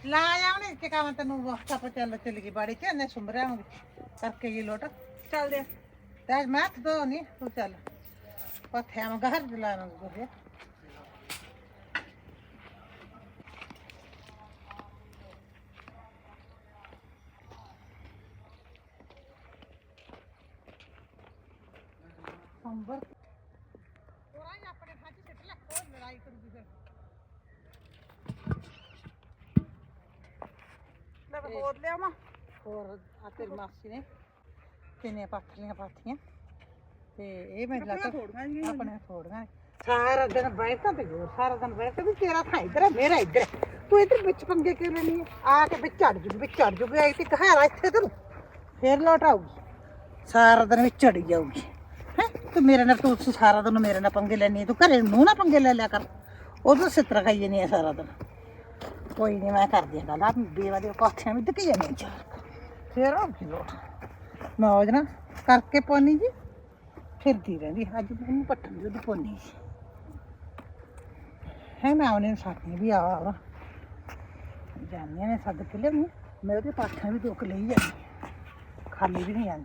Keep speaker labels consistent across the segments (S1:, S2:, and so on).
S1: ਲਾ ਆਉਣੇ ਕਿ ਕਾਮ ਤੈਨੂੰ ਆਪਾਂ ਚੱਲ ਗਈ ਬਾੜੀ ਚ ਇਹਨੇ ਸੁੰਬਰਿਆ ਕਰਕੇ ਇਹ ਲੋਟ
S2: ਚੱਲਦੇ ਆ।
S1: ਤੇ ਮੈਂ ਤਾਂ ਨਹੀਂ ਤੂੰ ਚੱਲ ਪੱਥਿਆਂ ਨੂੰ ਘਰ ਦਿਲਾਵਾਂ ਗੋਹੇ ਸੰਬਰ ਪੂਰਾ ਹੀ ਆਪਣੇ ਥਾਂ 'ਚ ਸਿੱਟ ਲੈ ਕੋਈ ਲੜਾਈ ਕਰੂਗੀ ਫਿਰ
S2: ਲੈ ਮੈਂ ਹੋਰ ਲਿਆਵਾਂ।
S1: ਹੋਰ ਆ ਤੇਰੀ ਮਾਸੀ ਨੇ ਕਿੰਨੇ ਪਾਥੀਆਂ ਪਾਥੀਆਂ ਤੇ ਇਹ ਮੈਂ ਲੱਗਾ
S2: ਥੋੜੀਆਂ ਜਿਹੀਆਂ
S1: ਆਪਣੇ ਥੋੜੀਆਂ ਸਾਰਾ ਦਿਨ ਬੈਠਾ ਤੇ ਹੋਰ ਸਾਰਾ ਦਿਨ ਬੈਠਾ ਵੀ ਤੇਰਾ ਥਾਂ ਇੱਧਰ ਹੈ ਮੇਰਾ ਇੱਧਰ ਹੈ ਤੂੰ ਇੱਧਰ ਵਿੱਚ ਪੰਗੇ ਕਿਉਂ ਲੈਣੀ ਹੈ ਆ ਕੇ ਵਿੱਚ ਚੜ ਜੂਗੀ ਆਈ ਤੇ ਕਹਾਰਾ ਇੱਥੇ ਤੈਨੂੰ ਫੇਰ ਲੋਟ ਆਊਗੀ ਸਾਰਾ ਦਿਨ ਵਿੱਚ ਚੜੀ ਜਾਊਗੀ ਹੈ ਤੂੰ ਮੇਰੇ ਨਾਲ ਤੂੰ ਸਾਰਾ ਦਿਨ ਮੇਰੇ ਨਾਲ ਪੰਗੇ ਲੈਣੀ ਤੂੰ ਘਰੇ ਨੂੰ ਨਾ ਪੰਗੇ ਲੈ ਲਿਆ ਕਰ ਉਦੋਂ ਸਿੱਤਰ ਖਾਈ ਜਾਨੀ ਆ ਸਾਰਾ ਦਿਨ ਕੋਈ ਨਹੀਂ ਮੈਂ ਕਰਦੀ ਹਾਂ ਗੱਲ ਆ ਬੇਵਾ ਦੇ ਪਾਥੀਆਂ ਵੀ ਧੱਕੀ ਜਾਂਦੀਆਂ ਚਾਰ ਫੇਰ ਆਉਂਦੀ ਲੋਟ ਮੌਜ ਨਾ ਕਰਕੇ ਪੋਨੀ ਜੀ ਫਿਰਦੀ ਰਹਿੰਦੀ ਅੱਜ ਮੈਨੂੰ ਪੱਟਣ ਦੀ ਉਹਦੀ ਪੋਨੀ ਹੈ ਮੈਂ ਉਹਨੇ ਸਾਥੀ ਵੀ ਆ ਜਾਨੀਆਂ ਨੇ ਸੱਦ ਕੇ ਲਿਆਉਣੀ ਮੈਂ ਉਹਦੇ ਪਾਥੀਆਂ ਵੀ ਦੁੱਖ ਲਈ ਜਾਂਦੀ ਖਾਲੀ ਵੀ ਨਹੀਂ ਜਾਂਦੀ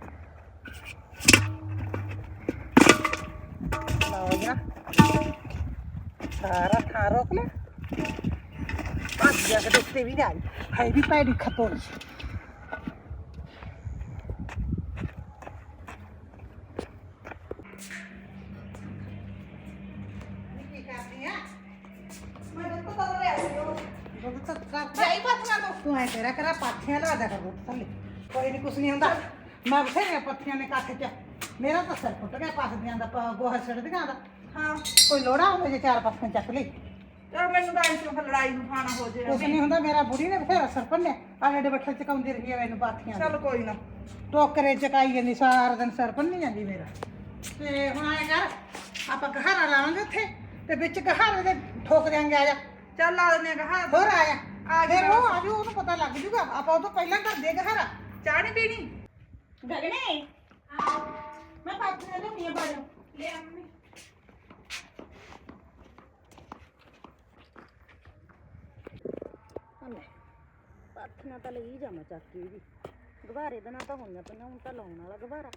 S1: ਮੌਜ ਨਾ ਸਾਰਾ ਥਾਂ ਰੋਕ ਲੈ ਭੱਜ ਜਾ ਕੇ ਦੇਖਤੇ ਵੀ ਨਹੀਂ ਆਈ ਹੈ ਵੀ ਪੈੜੀ ਖਤੋੜੀ ਤੂੰ ਐ ਤੇਰਾ ਕਰਾ ਪਾਥੀਆਂ ਲਾ ਦਿਆ ਕਰ ਥੱਲੇ ਕੋਈ ਨਹੀਂ ਕੁਛ ਨਹੀਂ ਹੁੰਦਾ ਮੈਂ ਬਥੇਰੀਆਂ ਪੱਥੀਆਂ ਨੇ ਕੱਖ ਚ ਮੇਰਾ ਤਾਂ ਸਿਰ ਫੁੱਟ ਗਿਆ ਪਾਥੀਆਂ ਦਾ ਗੋਹਾ ਛੱਡਦੀਆਂ ਦਾ
S2: ਹਾਂ
S1: ਕੋਈ ਲੋੜਾ ਹੋਵੇ ਜੇ ਚਾਰ ਪਾਥੀਆਂ ਚੱਕ ਲਈ
S2: ਚਲ ਮੈਨੂੰ ਤਾਂ ਇਸ ਤੋਂ ਲੜਾਈ ਨੂੰ ਖਾਣਾ ਹੋ ਜੇ।
S1: ਕੁਛ ਨਹੀਂ ਹੁੰਦਾ ਮੇਰਾ ਬੁੜੀ ਨੇ ਬਥੇਰਾ ਸਿਰ ਭੰਨਿਆ ਆਲੇ ਬੱਠਲ ਚਕਾਉਂਦੀ ਰਹੀ ਹੈ ਮੈਨੂੰ ਪਾਥੀਆਂ
S2: ਚਲ ਕੋਈ ਨਾ
S1: ਟੋਕਰੇ ਚਕਾਈ ਜਾਂਦੀ ਸਾਰਾ ਦਿਨ ਸਿਰ ਭੰਨੀ ਜਾਂਦੀ ਮੇਰਾ ਤੇ ਹੁਣ ਐ ਕਰ ਆਪਾਂ ਗਹਾਰਾ ਲਾਵਾਂਗੇ ਉੱਥੇ ਤੇ ਵਿੱਚ ਗਹਾਰੇ ਦੇ ਠੋਕ ਦਿਆਂਗੇ ਆ ਜਾ
S2: ਚੱਲ ਲਾ ਦਿੰਦੇ ਆ ਹਾਂ
S1: ਹੋਰ ਆਇਆ ਫਿਰ ਉਹ ਆਜੂ ਉਹਨੂੰ ਪਤਾ ਲੱਗ ਜੂਗਾ ਆਪਾਂ ਉਹ ਤੋਂ ਪਹਿਲਾਂ ਕਰ ਦੇ ਗਹਾਰਾ
S2: ਚਾਹ ਨਹੀਂ ਪੀਣੀ।
S1: ਗਗਨੇ ਮੈਂ ਪਾਥੀਆਂ ਲਿਆਉਣੀ ਆ ਬਾਜੋ
S2: ਲੈ ਆ ਮੰਮੀ।
S3: ਪਾਥੀਆਂ ਤਾਂ ਲਈ ਜਾਵਾਂ ਚੱਕ ਕੇ ਵੀ ਗਵਾਰੇ ਦੇ ਨਾਲ ਤਾਂ ਹੋਈਆਂ ਪਈਆਂ ਹੁਣ ਤਾਂ ਲਾਉਣ ਵਾਲਾ ਗਵਾਰਾ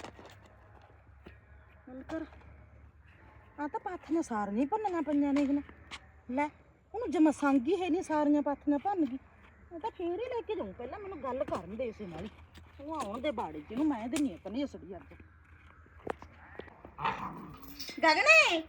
S3: ਹੁਣ ਕਰ ਆ ਤਾਂ ਪਾਥੀਆਂ ਸਾਰੀਆਂ ਭੰਨੀਆਂ ਪਈਆਂ ਨੇ ਇਹਨੇ ਲੈ ਉਹਨੂੰ ਜਮਾ ਸੰਗੀ ਹੈ ਨਹੀਂ ਸਾਰੀਆਂ ਪਾਥੀਆਂ ਭੰਨ ਗਈ ਮੈਂ ਤਾਂ ਫੇਰ ਹੀ ਲੈ ਕੇ ਜਾਊਂ ਪਹਿਲਾਂ ਮੈਨੂੰ ਗੱਲ ਕਰਨ ਦੇ ਇਸੇ ਨਾਲ ਉਹ ਆਉਣ ਦੇ ਬਾੜੇ ਚ ਇਹਨੂੰ ਮੈਂ ਦਿੰਨੀ ਆ ਤਨੀ ਅਸੜੀ ਅੱਜ ਗਗਨੇ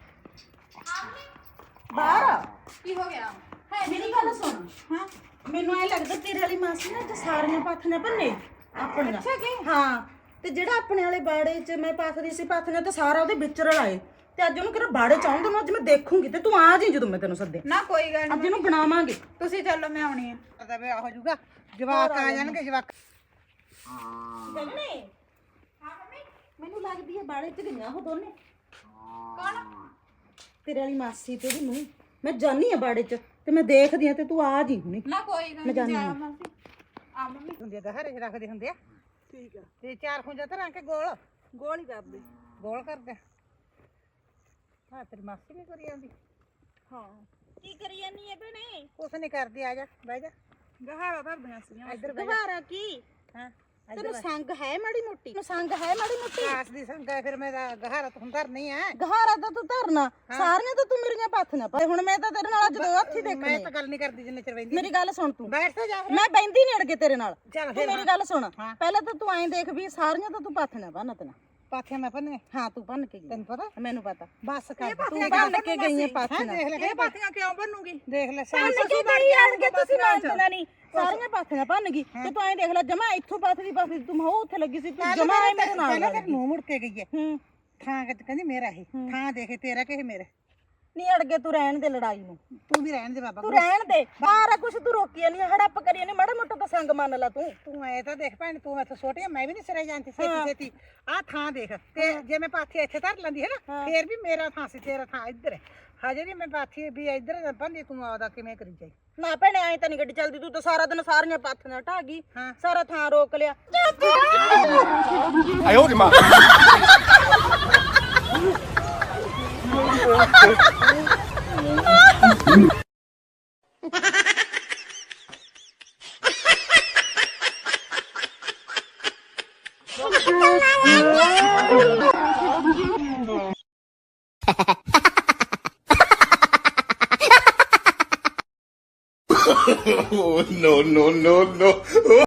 S3: ਬਾਹਰ
S2: ਕੀ ਹੋ ਗਿਆ
S3: ਹੈ ਮੇਰੀ ਗੱਲ ਸੁਣ ਹਾਂ ਮੈਨੂੰ ਐ ਲੱਗਦਾ ਤੇਰੇ ਵਾਲੀ ਮਾਸੀ ਨੇ ਤੇ ਸਾਰੀਆਂ ਪਾਥੀਆਂ ਭੰਨੇ ਆਪਣੇ
S2: ਅੱਛਾ ਕੀ
S3: ਹਾਂ ਤੇ ਜਿਹੜਾ ਆਪਣੇ ਵਾਲੇ ਬਾੜੇ 'ਚ ਮੈਂ ਪਾਥਦੀ ਸੀ ਪਾਥੀਆਂ ਤੇ ਸਾਰਾ ਉਹਦੇ ਵਿੱਚ ਰਲਾਏ ਤੇ ਅੱਜ ਉਹਨੂੰ ਕਿਹੜਾ ਬਾੜੇ 'ਚ ਆਉਣ ਦੇਣਾ ਅੱਜ ਮੈਂ ਦੇਖੂੰਗੀ ਤੇ ਤੂੰ ਆ ਜੀ ਜਦੋਂ ਮੈਂ ਤੈਨੂੰ ਸੱਦੇ
S2: ਨਾ ਕੋਈ ਗੱਲ
S3: ਅੱਜ ਇਹਨੂੰ ਬਣਾਵਾਂਗੇ
S2: ਤੁਸੀਂ ਚੱਲੋ ਮੈਂ ਆਉਣੀ ਆ
S1: ਪਤਾ ਵੀ ਹੋ ਜੂਗਾ ਜਵਾਕ ਆ ਜਾਣਗੇ ਜਵਾਕ
S3: ਗਗਨੇ ਹਾਂ ਮੰਮੀ ਮੈਨੂੰ ਲੱਗਦੀ ਹੈ ਬਾੜੇ 'ਚ ਗਈਆਂ ਉਹ ਦੋਨੇ
S2: ਕੌਣ
S3: ਤੇਰੇ ਵਾਲੀ ਮਾਸੀ ਤੇ ਉਹਦੀ ਨੂੰਹ ਮੈਂ ਜਾਨੀ ਆ ਬਾੜੇ 'ਚ ਤੇ ਮੈਂ ਦੇਖਦੀ ਆ ਤੇ ਤੂੰ ਆ ਜੀ ਹੁਣੀ
S2: ਨਾ ਕੋਈ ਗੱਲ ਨਹੀਂ ਜਾ ਮਾਸੀ ਆ ਮੰਮੀ
S1: ਹੁੰਦੇ ਗਹਾਰੇ ਰੱਖਦੇ ਹੁੰਦੇ ਆ
S2: ਠੀਕ ਆ
S1: ਤੇ ਚਾਰ ਖੁੰਝਾਂ ਧਰਾਂ ਕੇ ਗੋਲ
S2: ਗੋਲ ਹੀ ਕਰ ਦੇ
S1: ਗੋਲ ਕਰਦੇ ਹਾਂ ਤੇਰੀ ਮਾਸੀ ਵੀ ਕਰੀ ਜਾਂਦੀ
S2: ਹਾਂ
S3: ਕੀ ਕਰੀ ਜਾਨੀ ਹੈ ਭੈਣੇ
S1: ਕੁਛ ਨਹੀਂ ਕਰਦੀ ਆ ਜਾ ਬਹਿ ਜਾ
S2: ਗਹਾਰਾ ਧਰਦੀਆਂ ਸੀਗੀਆਂ
S1: ਇੱਧਰ ਬਹਿ ਜਾ
S3: ਗਵਾਰਾ ਕੀ
S1: ਹਾਂ
S3: ਤੈਨੂੰ ਸੰਗ ਹੈ ਮਾੜੀ ਮੋਟੀ ਤੈਨੂੰ ਸੰਗ ਹੈ ਮਾੜੀ ਮੋਟੀ
S1: ਆਸ ਦੀ ਸੰਗਾ ਫਿਰ ਮੇਰਾ ਗਹਾਰਾ ਤੂੰ ਧਰਨੀ ਆ
S3: ਗਹਾਰਾ ਤਾਂ ਤੂੰ ਧਰਨਾ ਸਾਰੀਆਂ ਤਾਂ ਤੂੰ ਮੇਰੀਆਂ ਪਾਥੀਆਂ ਪਾ ਹੁਣ ਮੈਂ ਤਾਂ ਤੇਰੇ ਨਾਲ ਅੱਜ ਦੋ ਹੱਥੀ
S1: ਮੈਂ
S3: ਦੇਖਣੇ
S1: ਤਾਂ ਗੱਲ ਨਹੀਂ ਕਰਦੀ ਜਿੰਨੇ ਚਿਰ ਬੈਂਦੀ
S3: ਮੇਰੀ ਗੱਲ ਸੁਣ ਤੂੰ
S1: ਬੈਠ ਤੇ ਜਾ
S3: ਮੈਂ ਬੈਂਦੀ ਨਹੀਂ ਅੜਗੇ ਤੇਰੇ ਨਾਲ
S1: ਚੱਲ
S3: ਤੂੰ
S1: ਫਿਰ
S3: ਮੇਰੀ ਗੱਲ ਸੁਣ
S1: ਹਾਂ।
S3: ਪਹਿਲਾਂ ਤਾਂ ਤੂੰ ਐਂ ਦੇਖ ਵੀ ਸਾਰੀਆਂ ਤਾਂ ਤੂੰ ਪਾਥੀਆਂ ਬੰਨ ਤਨਾ
S1: ਪਾਥੀਆਂ ਮੈਂ ਪੰਨੇ
S3: ਹਾਂ ਤੂੰ ਬੰਨ ਕੇ ਗਈ
S1: ਤੈਨੂੰ ਪਤਾ
S3: ਮੈਨੂੰ ਪਤਾ
S1: ਬਸ ਕਰ
S3: ਤੂੰ ਬੰਨ ਕੇ ਗਈ ਹੈ
S1: ਹੈਂ,
S3: ਪਾਥੀਆਂ
S1: ਦੇਖ ਲੈ
S2: ਇਹ ਪਾਥੀਆਂ ਕਿਉਂ ਬਣੂਗੀ
S1: ਦੇਖ ਲੈ
S3: ਬੰਨ ਕੇ ਗਈ ਆਣਗੇ ਤੁਸੀਂ ਮੰਨਣਾ ਨਹੀਂ ਸਾਰੀਆਂ ਪਾਥੀਆਂ ਭੰਨ ਗਈ ਤੇ ਤੂੰ ਐਂ ਦੇਖ ਲੈ ਜਮਾ ਇੱਥੋਂ ਪਾਥੀ ਤੂੰ ਮਹੋ ਉੱਥੇ ਲੱਗੀ ਸੀ ਤੂੰ ਜਮਾ ਐ ਮੇਰੇ ਨਾਲ
S1: ਪਹਿਲਾਂ ਤੇ ਨੂੰ ਮੁੜ ਕੇ ਗਈ ਹੈ
S3: ਹੂੰ
S1: ਥਾਂ ਕਹਿੰਦੀ ਮੇਰਾ ਇਹ ਥਾਂ ਦੇਖੇ ਤੇਰਾ ਕਿ ਮੇਰੇ
S3: ਨਹੀਂ ਅੜਗੇ ਤੂੰ ਰਹਿਣ ਦੇ ਲੜਾਈ ਨੂੰ
S1: ਤੂੰ ਵੀ ਰਹਿਣ ਦੇ ਬਾਬਾ
S3: ਤੂੰ ਰਹਿਣ ਦੇ ਸਾਰਾ ਕੁਝ ਤੂੰ ਰੋਕੀ ਨਹੀਂ ਹੜੱਪ ਕਰੀ ਨਹੀਂ ਮਾੜਾ ਮੋਟਾ ਤਾਂ ਸੰਗ ਮੰਨ ਲਾ ਤੂੰ
S1: ਤੂੰ ਐ ਤਾਂ ਦੇਖ ਭੈਣ ਤੂੰ ਇੱਥੇ ਛੋਟੀ ਆ ਮੈਂ ਵੀ ਨਹੀਂ ਸਿਰੇ ਜਾਂਦੀ ਛੇਤੀ ਛੇਤੀ ਆਹ ਥਾਂ ਦੇਖ ਤੇ ਜੇ ਮੈਂ ਪਾਥੀ ਇੱਥੇ ਧਰ ਲੈਂਦੀ ਹੈ ਨਾ ਫੇਰ ਵੀ ਮੇਰਾ ਥਾਂ ਸੀ ਤੇਰਾ ਥਾਂ ਇੱਧਰ ਹੈ ਹਜੇ ਵੀ ਮੈਂ ਪਾਥੀ ਵੀ ਇੱਧਰ ਬੰਦੀ ਤੂੰ ਆਉਦਾ ਕਿਵੇਂ ਕਰੀ ਜਾਈ
S3: ਨਾ ਭੈਣੇ ਐ ਤਾਂ ਨਹੀਂ ਗੱਡੀ ਚੱਲਦੀ ਤੂੰ ਤਾਂ ਸਾਰਾ ਦਿਨ ਸਾਰੀਆਂ ਪਾਥੀਆਂ ਢਾ ਗਈ
S1: ਹਾਂ।
S3: ਸਾਰਾ ਥਾਂ ਰੋਕ ਲਿਆ
S4: 哎呦我的妈！
S1: Ha ha ha!
S4: Oh, no, no, no, no.